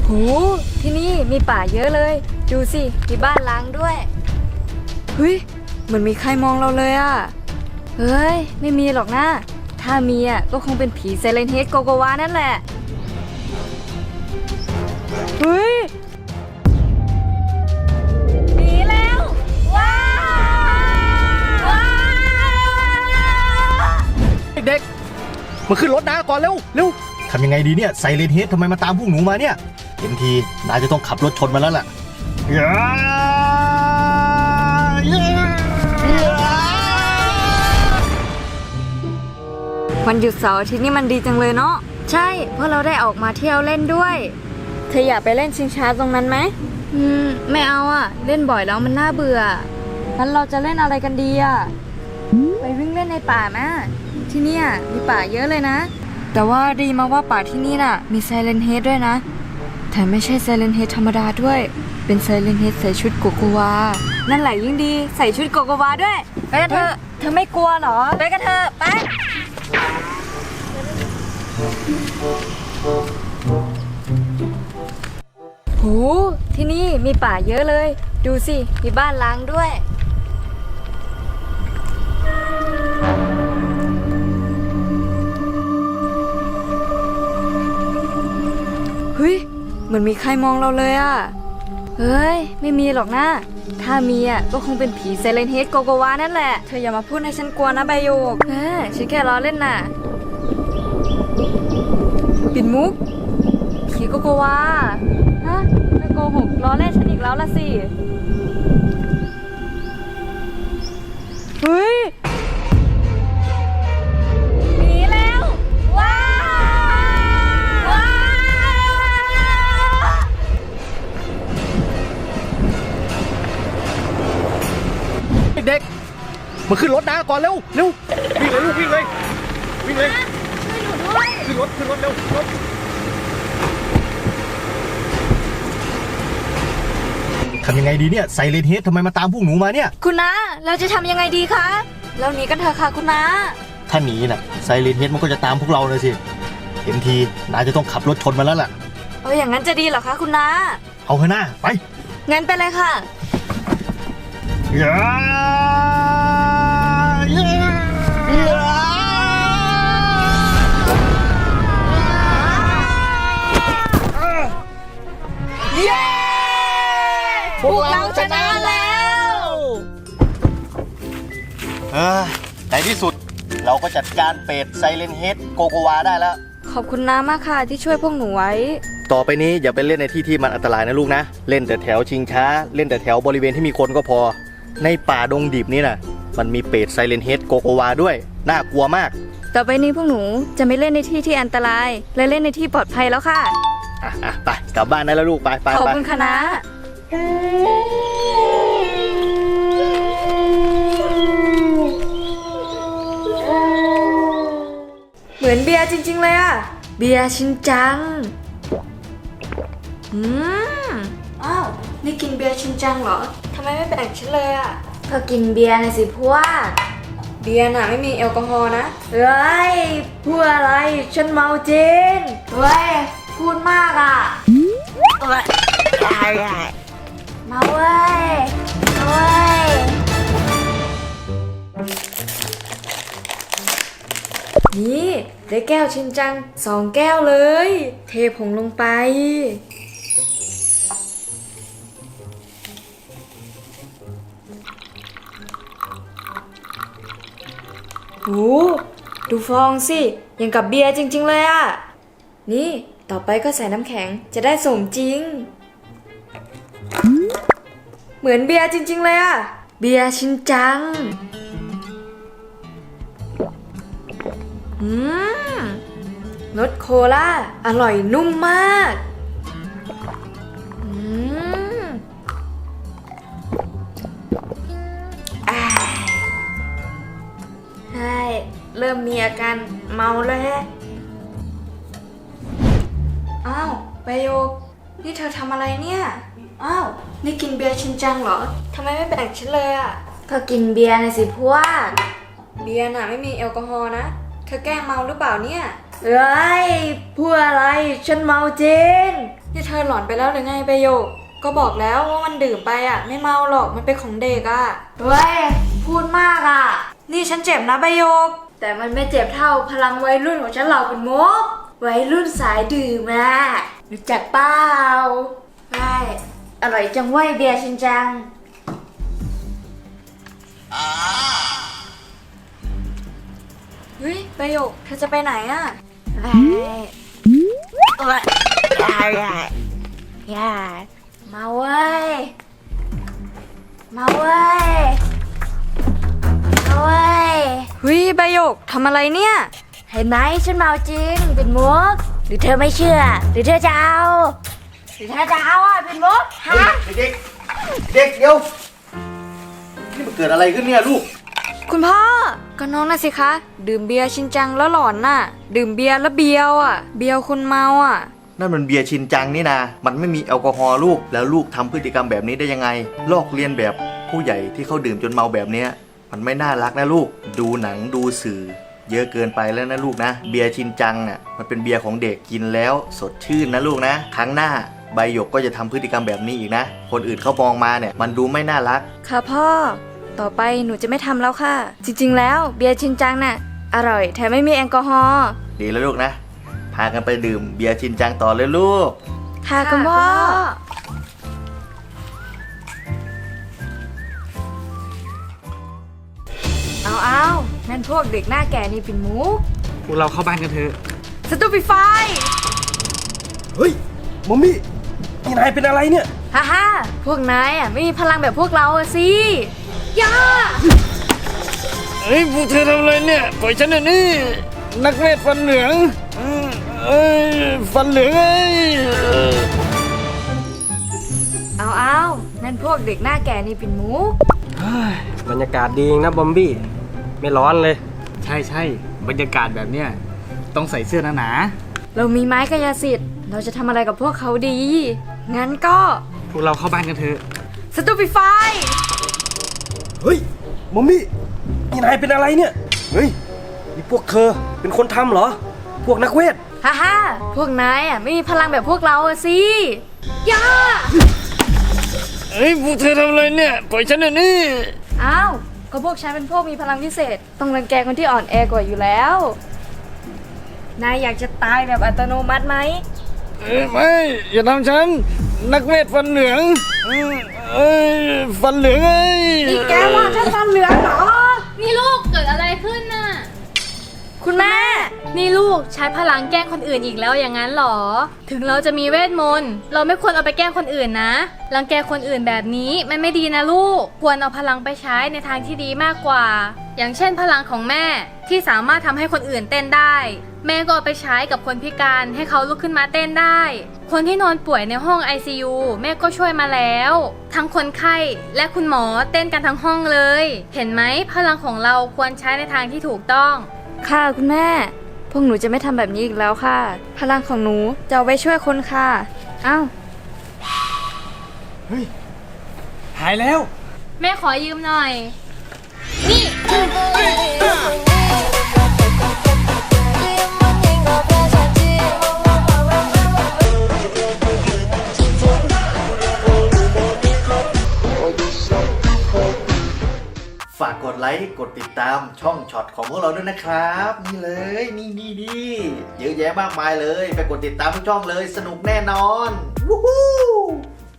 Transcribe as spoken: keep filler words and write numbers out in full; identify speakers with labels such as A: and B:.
A: โหที่นี่มีป่าเยอะเลยดูสิมีบ้านล้างด้วยเฮ้ยเหมือนมีใครมองเราเลยอ่ะเฮ้ยไม่มีหรอกนะถ้ามีอ่ะก็คงเป็นผีไซเลนเฮดโกโกวานั่นแหละเฮ้ยหนีแล้วว้าวว้า
B: เด็กๆมาขึ้นรถนะก่อนเร็วเร็วทำยังไงดีเนี่ยไซเรนเฮดทำไมมาตามพวกหนูมาเนี่ยเห็นทีนายจะต้องขับรถชนมาแล้วล่ะ
A: วันหยุดเสาร์อาทิตย์นี่มันดีจังเลยเนาะใช่เพราะเราได้ออกมาเที่ยวเล่นด้วยเธออยากไปเล่นชิงช้าตรงนั้นไหมอืมไม่เอาอ่ะเล่นบ่อยแล้วมันน่าเบื่องั้นเราจะเล่นอะไรกันดีอ่ะไปวิ่งเล่นในป่าไหมที่เนี่ยมีป่าเยอะเลยนะแต่ว่าดีมาว่าป่าที่นี่น่ะมีไซเลนเฮดด้วยนะแถมไม่ใช่ไซเลนเฮดธรรมดาด้วยเป็นไซเลนเฮดใส่ชุดโกโกวานั่นแหละยิ่งดีใส่ชุดโกโกวาด้วยไปกันเถอะเธอไม่กลัวเหรอไปกันเถอะไปโหที่นี่มีป่าเยอะเลยดูสิมีบ้านล้างด้วยเฮ้ยเหมือนมีใครมองเราเลยอ่ะเฮ้ยไม่มีหรอกนะถ้ามีอ่ะก็คงเป็นผีไซเลนเฮดโกโกวานั่นแหละเธออย่ามาพูดให้ฉันกลัวนะใบโยกเออฉันแค่ล้อเล่นน่ะปิดมุกผีโกโกวาฮะไม่โกหกล้อเล่นฉันอีกแล้วละสิเฮ้ยหนีแล้วว้าวว้าว
B: เด็กๆมาขึ้นรถนะก่อนเร็วเร็ววิ่งเลยลูกวิ่งเลยวิ่งเลย
A: ช่วยหนูด้วย
B: ขึ้นรถขึ้นรถเร็วรถทำยังไงดีเนี่ยไซเรนเฮดทำไมมาตามพวกหนูมาเนี่ย
A: คุณน้าเราจะทำยังไงดีคะเราหนีกันเถอะค่ะคุณน้า
B: ถ้าหนีน่ะไซเรนเฮดมันก็จะตามพวกเราเลยสิเห็นทีนายจะต้องขับรถชนมาแล้วล่ะ
A: เอออย่างนั้นจะดีเหรอคะคุณน้า
B: เอาเถอะหน้าไป
A: งั้นไปเลยค่ะ
B: อย่าอย่าเย้พวกเราชนะแล้วเออในที่สุดเราก็จัดการเป็ดไซเลนเฮดโกโกวาได้แล้ว
A: ขอบคุณน้ามากค่ะที่ช่วยพวกหนูไว้
B: ต่อไปนี้อย่าไปเล่นในที่ที่มันอันตรายนะลูกนะเล่นแต่แถวชิงช้าเล่นแต่แถวบริเวณที่มีคนก็พอในป่าดงดิบนี่นะมันมีเป็ดไซเลนเฮดโกโกวาด้วยน่ากลัวมาก
A: ต่อไปนี้พวกหนูจะไม่เล่นในที่ที่อันตรายและเล่นในที่ปลอดภัยแล้วค่ะ
B: อ่ะอ่ะไปกลับบ้านได้แล้วลูกไปไป
A: ขอบคุณค่ะนะเหมือนเบียร์จริงๆเลยอะเบียร์ชินจังอืมอ้าวนี่กินเบียร์ชินจังเหรอทำไมไม่แบ่งฉันเลยอะเธอกินเบียร์ในสิพวกเบียร์น่ะไม่มีแอลกอฮอล์นะเฮ้ยพูดอะไรฉันเมาจริงเฮ้ยพูดมากอะเอ้ยมาเว้ยมาเว้ยนี่ได้แก้วชินจังสองแก้วเลยเทผงลงไปโอ้ดูฟองสิยังกับเบียร์จริงๆเลยอะนี่ต่อไปก็ใส่น้ำแข็งจะได้สมจริงเหมือนเบียร์จริงๆเลยอะเบียร์ชินจังอืมรสโคลาอร่อยนุ่มมากอืมอ่าใช่เริ่มมีอาการเมาแล้วฮะอ้าวไบโยกนี่เธอทำอะไรเนี่ยอ้าวนี่กินเบียร์ชินจังเหรอทำไมไม่แบ่งฉันเลยอ่ะก็กินเบียร์ในสิพวกเบียร์น่ะไม่มีแอลกอฮอล์นะเธอแกล้งเมาหรือเปล่าเนี่ยเอ้ยพูดอะไรฉันเมาจริงนี่เธอหลอนไปแล้วหรือไงใบหยกก็บอกแล้วว่ามันดื่มไปอ่ะไม่เมาหรอกมันเป็นของเด็กอ่ะเฮ้ยพูดมากอ่ะนี่ฉันเจ็บนะใบหยกแต่มันไม่เจ็บเท่าพลังวัยรุ่นของฉันหรอกคุณมุกวัยรุ่นสายดื่มอ่ะรู้จักเปล่าใช่อร่อยจังเว้ยเบียร์ชินจังเฮ้ยใบหยกเธอจะไปไหนอ่ะไปโอ๊ยอย่าอย่าอย่ามาเว้ยมาเว้ยมาเว้ยเฮ้ยใบหยกทำอะไรเนี่ยเห็นไหมฉันเมาจริงเป็นมุกหรือเธอไม่เชื่อหรือเธอจะเอาหรือเธอจะเอาอ่ะเป็นมุกฮะ
B: เด็กๆเด็กเดี๋ยวนี่มันเกิดอะไรขึ้นเนี่ยลูก
A: คุณพ่อก็น้องน่ะสิคะดื่มเบียร์ชินจังแล้วหลอนน่ะดื่มเบียร์แล้วเบียวอ่ะเบียวคนเมาอ่ะ
B: นั่นมันเบียร์ชินจังนี่นะมันไม่มีแอลกอฮอล์ลูกแล้วลูกทำพฤติกรรมแบบนี้ได้ยังไงลอกเลียนแบบผู้ใหญ่ที่เขาดื่มจนเมาแบบเนี้ยมันไม่น่ารักนะลูกดูหนังดูสื่อเยอะเกินไปแล้วนะลูกนะเบียร์ชินจังอ่ะมันเป็นเบียร์ของเด็กกินแล้วสดชื่นนะลูกนะครั้งหน้าใบหยกก็จะทำพฤติกรรมแบบนี้อีกนะคนอื่นเขามองมาเนี่ยมันดูไม่น่ารัก
A: ค่ะพ่อต่อไปหนูจะไม่ทำแล้วค่ะจริงๆแล้วเบียร์ชินจังน่ะอร่อยแถมไม่มีแอลกอฮอล์
B: ดีแล้วลูกนะพากันไปดื่มเบียร์ชินจังต่อเลยลูก
A: ค่ะคุณพ่อเอาเอานั่นพวกเด็กหน้าแก่นี่เป็นมุก
C: พวกเราเข้าบ้านกันเถอะ
A: สตูปิฟาย
C: เฮ้ยมอมมี่นี่นายเป็นอะไรเนี่ย
A: ฮ่าฮ่าพวกนายอ่ะไม่มีพลังแบบพวกเราอะสิย่า
C: เฮ้ยพวกเธอทำอะไรเนี่ยปล่อยฉันเดี๋ยวนี้นักเวทฟันเหลืองเอ้ยฟันเหลืองเอ้ย
A: เอาเอานั่นพวกเด็กหน้าแก่นี่เป็นมุก
C: บรรยากาศดีนะบอมบี้ไม่ร้อนเลยใช่ใช่บรรยากาศแบบเนี้ยต้องใส่เสื้อหนา
A: ๆเรามีไม้กายสิทธิ์เราจะทำอะไรกับพวกเขาดีงั้นก็
C: พวกเราเข้าบ้านกันเถอะ
A: สตูปิฟาย
C: เฮ้ยมอมมี่นี่นายเป็นอะไรเนี่ยเฮ้ยนี่พวกเธอเป็นคนทำเหรอพวกนักเวท
A: ฮ่าฮ่าพวกนายอ่ะไม่มีพลังแบบพวกเราอะสิย่า
C: เฮ้ยพวกเธอทำอะไรเนี่ยปล่อยฉันเดี๋ยวนี้
A: อ้าวก็พวกฉันเป็นพวกมีพลังพิเศษต้องรังแกคนที่อ่อนแอกว่าอยู่แล้วนายอยากจะตายแบบอัตโนมัติไหม
C: เอ้ยไม่อย่าทำฉันนักเวทฟันเหลืองเอ้ยฟันเหลืองเอ้ย
A: นี่แกว่าฉันฟันเหลืองเหรอ
D: นี่ลูกเกิดอะไรขึ้นน่ะ
A: คุณแม่
D: นี่ลูกใช้พลังแกล้งคนอื่นอีกแล้วอย่างนั้นหรอถึงเราจะมีเวทมนต์เราไม่ควรเอาไปแกล้งคนอื่นนะรังแกคนอื่นแบบนี้มันไม่ดีนะลูกควรเอาพลังไปใช้ในทางที่ดีมากกว่าอย่างเช่นพลังของแม่ที่สามารถทำให้คนอื่นเต้นได้แม่ก็เอาไปใช้กับคนพิการให้เขาลุกขึ้นมาเต้นได้คนที่นอนป่วยในห้อง ไอ ซี ยู แม่ก็ช่วยมาแล้วทั้งคนไข้และคุณหมอเต้นกันทั้งห้องเลยเห็นไหมพลังของเราควรใช้ในทางที่ถูกต้อง
A: ค่ะคุณแม่พวกหนูจะไม่ทำแบบนี้อีกแล้วค่ะพลังของหนูจะเอาไว้ช่วยคนค่ะอ้าว
C: เฮ้ยหายแล้ว
D: แม่ขอยืมหน่อยนี่
B: ฝากกดไลค์กดติดตามช่องช็อตของพวกเราด้วยนะครับนี่เลยนี่นี่นี่เยอะแยะมากมายเลยไปกดติดตามทุกช่องเลยสนุกแน่นอนวู้ฮู้